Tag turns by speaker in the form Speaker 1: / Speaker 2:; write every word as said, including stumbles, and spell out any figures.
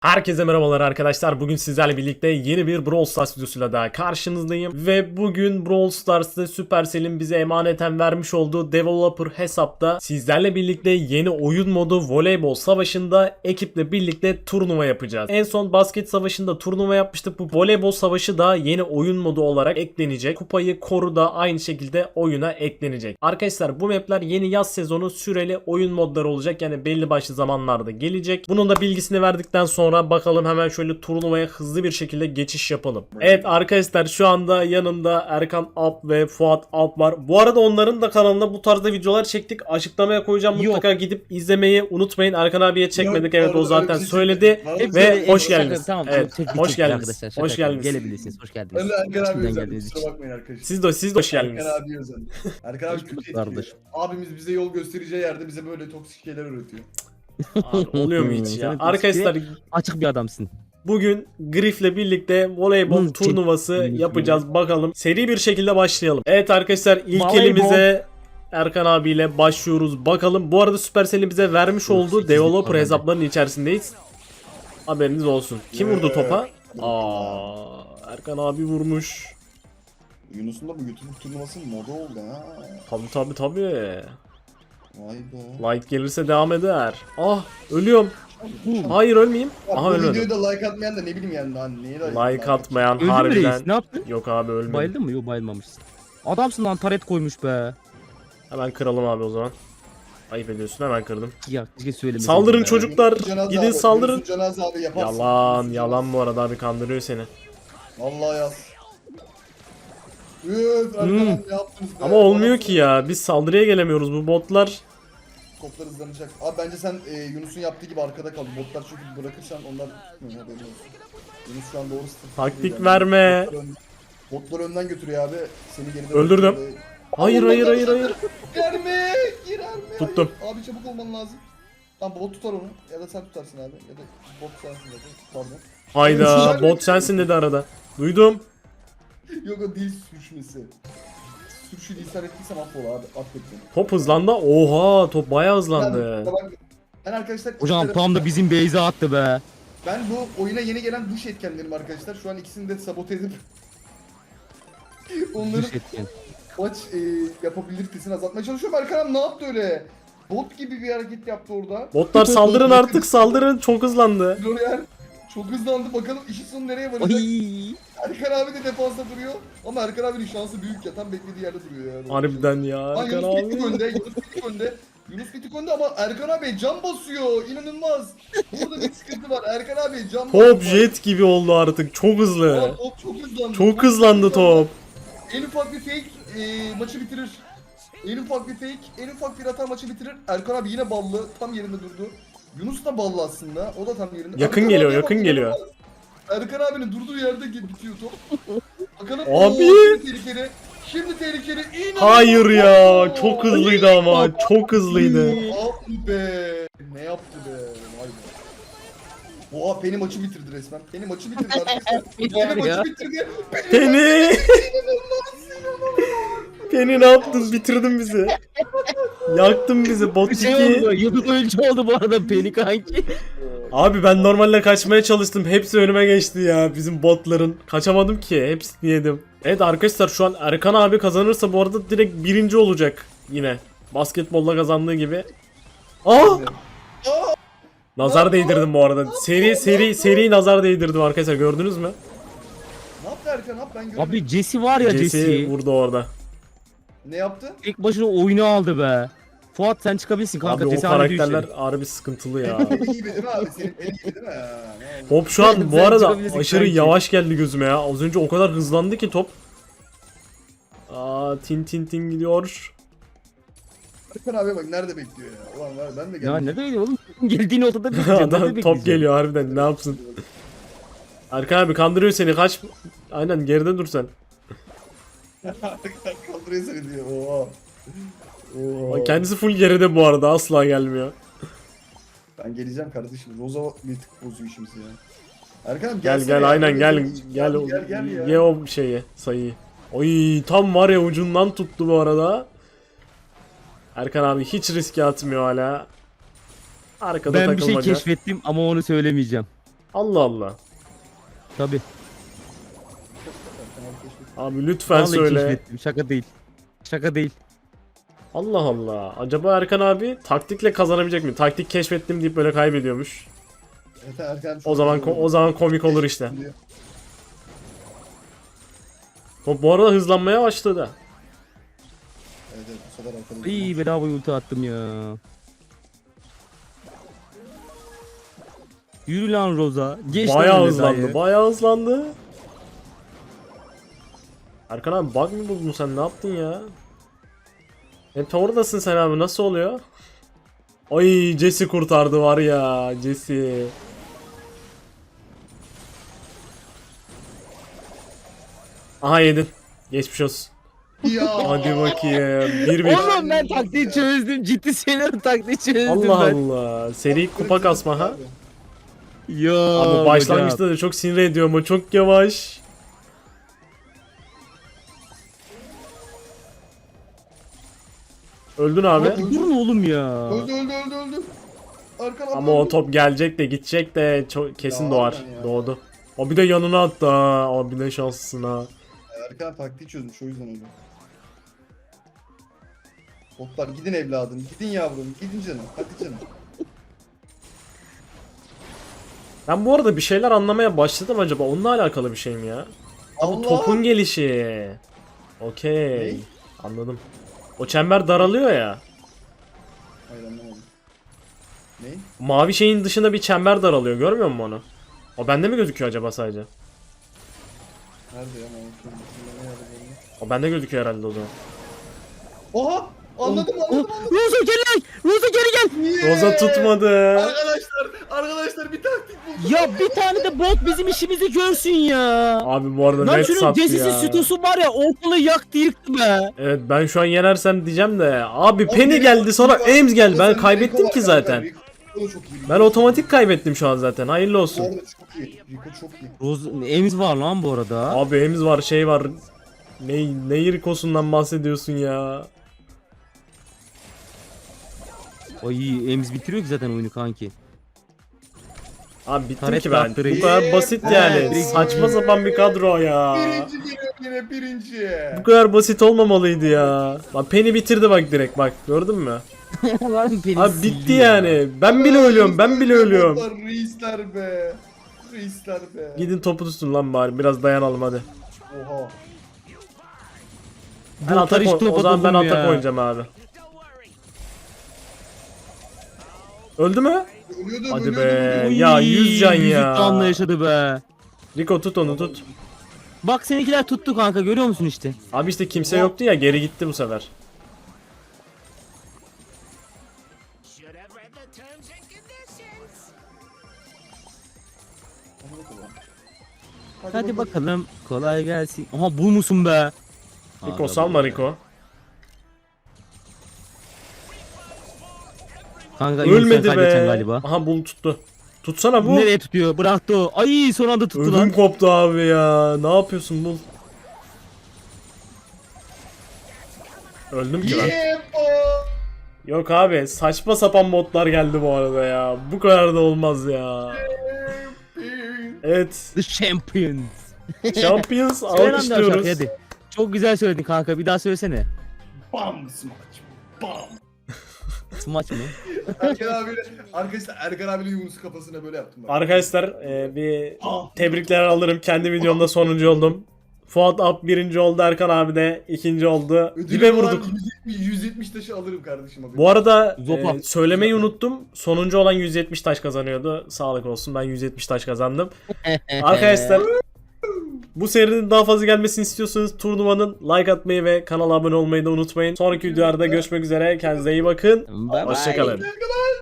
Speaker 1: Herkese merhabalar arkadaşlar. Bugün sizlerle birlikte yeni bir Brawl Stars videosuyla daha karşınızdayım. Ve bugün Brawl Stars'ta Supercell'in bize emaneten vermiş olduğu developer hesapta sizlerle birlikte yeni oyun modu Voleybol Savaşı'nda ekiple birlikte turnuva yapacağız. En son basket savaşında turnuva yapmıştık. Bu Voleybol Savaşı da yeni oyun modu olarak eklenecek. Kupayı koru da aynı şekilde oyuna eklenecek. Arkadaşlar bu mapler yeni yaz sezonu süreli oyun modları olacak. Yani belli başlı zamanlarda gelecek. Bunun da bilgisini verdikten sonra Sonra bakalım hemen şöyle turnuvaya hızlı bir şekilde geçiş yapalım. Evet arkadaşlar şu anda yanımda Erkan Alp ve Fuat Alp var. Bu arada onların da kanalında bu tarzda videolar çektik. Açıklamaya koyacağım.
Speaker 2: Yok.
Speaker 1: Mutlaka gidip izlemeyi unutmayın. Erkan abiye çekmedik.
Speaker 3: Yok,
Speaker 1: Evet o
Speaker 3: orada
Speaker 1: zaten
Speaker 3: öyle bir şey
Speaker 1: söyledi.
Speaker 3: çekmedik.
Speaker 1: Ve
Speaker 2: Şaka-
Speaker 1: hoş geldiniz.
Speaker 2: Tamam,
Speaker 1: Evet,
Speaker 2: çek-
Speaker 1: hoş
Speaker 2: çek-
Speaker 1: geldiniz.
Speaker 2: arkadaşlar, şaka
Speaker 1: Hoş
Speaker 2: yapıyorum.
Speaker 1: geldiniz.
Speaker 2: Gelebilirsiniz. Hoş geldiniz.
Speaker 3: Ben de Erkan abi
Speaker 2: Şimdiden
Speaker 3: özel.
Speaker 2: geldiniz.
Speaker 3: Kusura bakmayın arkadaşlar.
Speaker 1: Siz de siz de hoş geldiniz.
Speaker 3: Erkan abi özel. Erkan abi
Speaker 2: Hoş
Speaker 3: kötü
Speaker 2: bulduk
Speaker 3: etkiliyor.
Speaker 2: kardeş.
Speaker 3: Abimiz bize yol göstereceği yerde bize böyle toksik şeyler öğretiyor.
Speaker 1: Abi, oluyor mu hiç ya?
Speaker 2: Senin
Speaker 1: Arkadaşlar
Speaker 2: Açık bir adamsın.
Speaker 1: bugün Griff'le birlikte voleybol
Speaker 2: Hı,
Speaker 1: turnuvası
Speaker 2: çek-
Speaker 1: yapacağız. Bakalım. Seri bir şekilde başlayalım. Evet arkadaşlar ilk
Speaker 2: Voleybol.
Speaker 1: elimize Erkan abiyle başlıyoruz. Bakalım. Bu arada Supercell'in bize vermiş
Speaker 2: Dur,
Speaker 1: olduğu
Speaker 2: sekizlik
Speaker 1: developer
Speaker 2: var bende.
Speaker 1: hesaplarının içerisindeyiz. Haberiniz olsun. Kim
Speaker 3: Ee,
Speaker 1: vurdu topa? Aa, Erkan abi vurmuş.
Speaker 3: Yunus'un da bu YouTube turnuvasının moda oldu ha.
Speaker 1: Tabi tabi tabi.
Speaker 3: Vay be.
Speaker 1: Like gelirse devam eder. Ah ölüyorum. Hayır ölmeyeyim.
Speaker 3: Ya
Speaker 1: Aha
Speaker 3: bu
Speaker 1: ölmedim.
Speaker 3: videoyu da like atmayan da ne bileyim yani lan neye
Speaker 1: Like atmayan
Speaker 2: Öldü mü
Speaker 1: harbiden.
Speaker 2: reis? Ne yaptın?
Speaker 1: Yok abi ölmedim.
Speaker 2: Bayıldın mı? Yok bayılmamışsın. Adamsın lan, taret koymuş be.
Speaker 1: Hemen kıralım abi o zaman. Ayıp ediyorsun, hemen kırdım.
Speaker 2: Ya keşke söylemeseydin
Speaker 1: Saldırın
Speaker 2: be.
Speaker 1: çocuklar.
Speaker 3: Cenaze
Speaker 1: Gidin
Speaker 3: abi,
Speaker 1: saldırın.
Speaker 3: Yunus'un cenaze abi yaparsın.
Speaker 1: Yalan
Speaker 3: Yunus'un
Speaker 1: yalan bu arada abi, kandırıyor seni.
Speaker 3: cenaze. Vallahi yaz. Üf Erkan
Speaker 2: Hmm.
Speaker 3: abi ne yaptınız be?
Speaker 1: Ama olmuyor
Speaker 3: Bana
Speaker 1: ki ya. Biz saldırıya gelemiyoruz, bu botlar.
Speaker 3: Toplar hızlanacak. Abi bence sen e, Yunus'un yaptığı gibi arkada kal. Botlar çünkü bırakırsan onlar tutmuyor, haberin olsun. Yunus şu an doğru strateji
Speaker 1: Taktik
Speaker 3: değil yani.
Speaker 1: verme.
Speaker 3: Botlar, ön- botlar önden götürüyor abi. Seni geride
Speaker 1: Öldürdüm.
Speaker 3: bırakıyor.
Speaker 1: Hayır hayır hayır hayır.
Speaker 3: Girer mi? Girer mi?
Speaker 1: Tuttum.
Speaker 3: Hayır. Abi çabuk olman lazım. Tamam bot tutar onu. Ya da sen tutarsın abi. Ya da bot sensin dedi. Pardon.
Speaker 1: Hayda, bot sensin dedi arada. Duydum.
Speaker 3: Yok o dil sürüşmesi. Sürüşü lisan ettiysem affola abi. Affet beni.
Speaker 1: Top hızlandı. Oha, top bayağı hızlandı.
Speaker 3: Ben, ben, ben arkadaşlar...
Speaker 2: Hocam
Speaker 3: ikilere-
Speaker 2: tam da bizim base'e attı be.
Speaker 3: Ben bu oyuna yeni gelen dış etkenlerim arkadaşlar. Şu an ikisini de sabote edip onların
Speaker 2: Düş etken.
Speaker 3: maç e, yapabilitesini azaltmaya çalışıyorum. Erkan ne yaptı öyle? Bot gibi bir hareket yaptı orada.
Speaker 1: Botlar saldırın artık, saldırın. Çok hızlandı.
Speaker 3: Florian çok hızlandı. Bakalım işin sonu nereye varacak?
Speaker 2: Ay.
Speaker 3: Erkan abi de defansta duruyor. Ama Erkan abinin şansı büyük ya. Tam beklediği yerde duruyor yani.
Speaker 1: Harbiden ya
Speaker 3: Lan
Speaker 1: Erkan
Speaker 3: Yunus bir tık
Speaker 1: abi.
Speaker 3: önde. Yunus bir tık önde. Yunus bir tık önde ama Erkan abi cam basıyor. İnanılmaz. Burada bir sıkıntı var. Erkan abi cam
Speaker 1: Top
Speaker 3: basıyor.
Speaker 1: jet gibi oldu artık. Çok
Speaker 3: Aa,
Speaker 1: hızlı.
Speaker 3: top çok hızlandı.
Speaker 1: Çok hızlandı top.
Speaker 3: En ufak bir fake e, maçı bitirir. En ufak bir fake, en ufak bir hata maçı bitirir. Erkan abi yine ballı, tam yerinde durdu. Yunus da ballı aslında, o da tam yerinde.
Speaker 1: Yakın
Speaker 3: Erkan
Speaker 1: geliyor,
Speaker 3: abiye
Speaker 1: yakın
Speaker 3: bak,
Speaker 1: geliyor.
Speaker 3: Erkan abinin durduğu yerde ge- bitiyor top. Bakalım.
Speaker 1: Abi!
Speaker 3: Oo, şimdi tehlikeli. Şimdi tehlikeli. İnanılmaz.
Speaker 1: Hayır ya,
Speaker 3: Oo.
Speaker 1: çok hızlıydı ama. Çok hızlıydı.
Speaker 3: Abi be. Ne yaptı be. Vay be. Oha Penny maçı bitirdi resmen. Penny maçı bitirdi arkadaşlar. Penny
Speaker 2: Ya.
Speaker 3: maçı bitirdi.
Speaker 1: Penny. Penny ne yaptın? Bitirdin bizi. Yaktın bizi. Bot
Speaker 2: Bir şey oldu.
Speaker 1: iki.
Speaker 2: Yıldız oyuncu oldu bu arada Penny kanki.
Speaker 1: Abi ben normalde kaçmaya çalıştım. Hepsi önüme geçti ya. Bizim botların. Kaçamadım ki. Hepsini yedim. Evet arkadaşlar şu an Erkan abi kazanırsa bu arada direkt birinci olacak. Yine. Basketbolla kazandığı gibi. Aa! Nazar değdirdim bu arada. Seri seri seri nazar değdirdim arkadaşlar, gördünüz mü?
Speaker 3: Ne yaptı Erkan abi ben göremedim.
Speaker 2: Abi Jesse var ya
Speaker 1: Jesse
Speaker 2: Jesse.
Speaker 1: vurdu orada.
Speaker 3: Ne yaptı?
Speaker 2: Tek başına oyunu aldı be. Fuat sen çıkabilirsin kanka.
Speaker 1: Abi o
Speaker 2: Jesse hala diyor
Speaker 1: karakterler
Speaker 2: işte.
Speaker 1: harbi sıkıntılı ya.
Speaker 3: Beni iyi değil mi abi? Senin beni iyi değil mi? Ha, ne oldu?
Speaker 1: Top şu an bu
Speaker 2: Sen
Speaker 1: arada
Speaker 2: çıkabilirsin
Speaker 1: aşırı
Speaker 2: kanki.
Speaker 1: yavaş geldi gözüme ya. Az önce o kadar hızlandı ki top. Aa, tin tin tin gidiyor.
Speaker 3: Erkan abi bak nerede bekliyor ya? Ulan var ben de geldim.
Speaker 2: Ya ne böyle oğlum? Geldiğin ortada bekleyeceğim.
Speaker 1: Adam top geliyor harbiden, ne yapsın? Erkan abi kandırıyor seni, kaç. Aynen, geride dur sen.
Speaker 3: Kaldırıyor seni diyor. Oha. Oha.
Speaker 1: Bak, kendisi full geride bu arada, asla gelmiyor.
Speaker 3: Ben geleceğim kardeşim. Roza bir tık bozuyor işimizi ya. Erkan abi
Speaker 1: Gel
Speaker 3: gelsene
Speaker 1: gel
Speaker 3: ya.
Speaker 1: aynen gel
Speaker 3: Gel
Speaker 1: gel
Speaker 3: gel, gel ya.
Speaker 1: ye o şeyi, sayıyı. Oy, tam var ya, ucundan tuttu bu arada. Erkan abi hiç riske atmıyor hala. Arkada
Speaker 2: Ben bir şey
Speaker 1: takılmaca.
Speaker 2: keşfettim ama onu söylemeyeceğim.
Speaker 1: Allah Allah.
Speaker 2: Tabi.
Speaker 1: Abi lütfen
Speaker 2: Vallahi
Speaker 1: söyle.
Speaker 2: keşfettim. Şaka değil. Şaka değil.
Speaker 1: Allah Allah. Acaba Erkan abi taktikle kazanabilecek mi? Taktik keşfettim deyip böyle kaybediyormuş.
Speaker 3: Evet, Erkan çok
Speaker 1: O zaman
Speaker 3: iyi
Speaker 1: o zaman komik olur işte.
Speaker 3: diyor.
Speaker 1: Top bu arada hızlanmaya başladı.
Speaker 3: Evet, evet, bu sefer Erkan'ın-
Speaker 2: İyi bedava ulti attım ya. Yürü lan Roza. Geç lan
Speaker 1: Bayağı
Speaker 2: öyle
Speaker 1: hızlandı.
Speaker 2: dayı.
Speaker 1: Bayağı hızlandı. Erkan abi bug mı buldun sen? Ne yaptın ya? Hep oradasın sen abi. Nasıl oluyor? Ay Jesse kurtardı var ya. Jesse. Aha yedin. Geçmiş olsun.
Speaker 3: Ya.
Speaker 1: Hadi bakayım. bir bir.
Speaker 2: Oğlum ben taktiği çözdüm. Ciddi söylüyorum taktiği çözdüm
Speaker 1: Allah
Speaker 2: ben.
Speaker 1: Allah. Seri kupa kasma ha.
Speaker 2: Ya.
Speaker 1: Ama başlangıçta da çok sinir ediyor ama çok yavaş. Öldün abi.
Speaker 2: Hadi durun oğlum ya.
Speaker 3: Öldü öldü öldü öldü. Erkan abi
Speaker 1: Ama o
Speaker 3: öldü.
Speaker 1: top gelecek de gidecek de çok kesin
Speaker 3: Ya
Speaker 1: doğar.
Speaker 3: Allah'ım ya.
Speaker 1: Doğdu. O bir de yanına attı ha. O bir de şanslısın ha.
Speaker 3: Erkan taktiği çözmüş o yüzden öyle. Botlar gidin evladım, gidin yavrum, gidin canım, hadi canım.
Speaker 1: Ben bu arada bir şeyler anlamaya başladım acaba. Onunla alakalı bir şey mi ya?
Speaker 3: Allah!
Speaker 1: Topun gelişi. Okey.
Speaker 3: Ne?
Speaker 1: Anladım. O çember daralıyor ya.
Speaker 3: Hayır anlamadım. Ne?
Speaker 1: Mavi şeyin dışında bir çember daralıyor. Görmüyor musun onu? O bende mi gözüküyor acaba sadece?
Speaker 3: Nerede ya? Mahmut'un ne nerede benim?
Speaker 1: O bende gözüküyor herhalde o zaman.
Speaker 3: Oha! Anladım anladım anladım.
Speaker 2: Roza geri gel. Roza geri gel.
Speaker 3: Niye?
Speaker 1: Roza tutmadı.
Speaker 3: Arkadaşlar, arkadaşlar bir taktik buldum.
Speaker 2: Ya bir tane de bot bizim işimizi görsün ya.
Speaker 1: Abi bu arada
Speaker 2: Lan
Speaker 1: net
Speaker 2: şunun
Speaker 1: sattı
Speaker 2: Jesse'si
Speaker 1: ya.
Speaker 2: sütosu var ya ortalığı yaktı yıktı be.
Speaker 1: Evet ben şu an yenersem diyeceğim de. Abi
Speaker 3: Oğlum,
Speaker 1: Penny
Speaker 3: Rico-
Speaker 1: geldi sonra
Speaker 3: Rico-
Speaker 1: Ames geldi. Ben
Speaker 3: Rico-
Speaker 1: kaybettim
Speaker 3: Rico
Speaker 1: ki
Speaker 3: var
Speaker 1: zaten.
Speaker 3: kanka, Rico çok iyi.
Speaker 1: Ben otomatik kaybettim şu an zaten. Hayırlı
Speaker 3: Bu
Speaker 1: olsun.
Speaker 3: arada çok iyi. Rico çok iyi.
Speaker 2: Roza Emiz var lan bu arada.
Speaker 1: Abi Ames var şey var. Ne, ne Rico'sundan bahsediyorsun ya?
Speaker 2: Ay Emiz bitiriyor ki zaten oyunu kanki.
Speaker 1: Abi bittim
Speaker 2: Taret
Speaker 1: ki ben.
Speaker 2: kaptırıyor.
Speaker 1: Bu kadar basit
Speaker 3: Ee,
Speaker 1: yani.
Speaker 3: direkt-
Speaker 1: Saçma sapan bir kadro ya.
Speaker 3: Birinci geliyor yine birinci.
Speaker 1: Bu kadar basit olmamalıydı ya. Lan Penny bitirdi bak direkt bak. Gördün mü?
Speaker 2: Lan beni
Speaker 1: Abi
Speaker 2: sildi
Speaker 1: bitti
Speaker 2: ya.
Speaker 1: yani. Ben bile ölüyorum. Ben bile ölüyorum.
Speaker 3: Botlar Reisler be. Reisler be.
Speaker 1: Gidin topu tutun lan bari. Biraz dayanalım hadi.
Speaker 3: Oha.
Speaker 1: Ben
Speaker 2: Bu
Speaker 1: atak
Speaker 2: karış
Speaker 1: o, o
Speaker 2: topa
Speaker 1: zaman ben
Speaker 2: dokun
Speaker 1: atak
Speaker 2: ya.
Speaker 1: oynayacağım abi. Öldü mü?
Speaker 3: Ölüyordu
Speaker 1: Hadi
Speaker 3: ölüyordu,
Speaker 1: be.
Speaker 3: ölüyordu.
Speaker 2: Uy,
Speaker 1: Ya, yüz can
Speaker 2: yüzük
Speaker 1: ya.
Speaker 2: canla yaşadı be.
Speaker 1: Rico tut onu tut.
Speaker 2: Bak seninkiler tuttu kanka görüyor musun işte.
Speaker 1: Abi işte kimse yoktu ya geri gitti bu sefer.
Speaker 4: Should have read the terms and conditions.
Speaker 2: Hadi bakalım kolay gelsin. Aha bu musun be?
Speaker 1: Rico
Speaker 2: Aga
Speaker 1: salma
Speaker 2: be.
Speaker 1: Rico.
Speaker 2: Kanka Ölmedi
Speaker 1: Ölmedi
Speaker 2: kaybedeceksin
Speaker 1: be.
Speaker 2: galiba.
Speaker 1: Aha bul tuttu. Tutsana bu.
Speaker 2: Nereye tutuyor? Bıraktı o. Ay son anda tuttu
Speaker 1: Ödüm
Speaker 2: lan.
Speaker 1: koptu abi ya. Ne yapıyorsun bul. Öldüm ki ben.
Speaker 3: Yeah, boy.
Speaker 1: Yok abi saçma sapan botlar geldi bu arada ya. Bu kadar da olmaz ya. Evet.
Speaker 2: The Champions.
Speaker 1: Champions
Speaker 2: Söyle lan bir daha
Speaker 1: alkışlıyoruz.
Speaker 2: şarkıyı, hadi. Çok güzel söyledin kanka bir daha söylesene.
Speaker 3: Bam smaç. Bam.
Speaker 2: Smaç mı?
Speaker 3: Erkan abiyle, arkadaşlar Erkan abiyle Yunus kafasına böyle yaptım. Bak.
Speaker 1: Arkadaşlar e, bir tebrikler alırım. Kendi videomda sonuncu oldum. Fuat Alp birinci oldu. Erkan abi de ikinci oldu.
Speaker 3: Ödülüm
Speaker 1: Dibe
Speaker 3: olan
Speaker 1: vurduk.
Speaker 3: yüz yetmiş, yüz yetmiş taşı alırım kardeşim abi.
Speaker 1: Bu arada
Speaker 2: Zopa.
Speaker 1: e, söylemeyi unuttum. Sonuncu olan yüz yetmiş taş kazanıyordu. Sağlık olsun ben yüz yetmiş taş kazandım. Arkadaşlar bu serinin daha fazla gelmesini istiyorsanız turnuvanın like atmayı ve kanala abone olmayı da unutmayın. Sonraki videolarda görüşmek üzere. Kendinize iyi bakın.
Speaker 2: Bye bye.
Speaker 1: Hoşçakalın.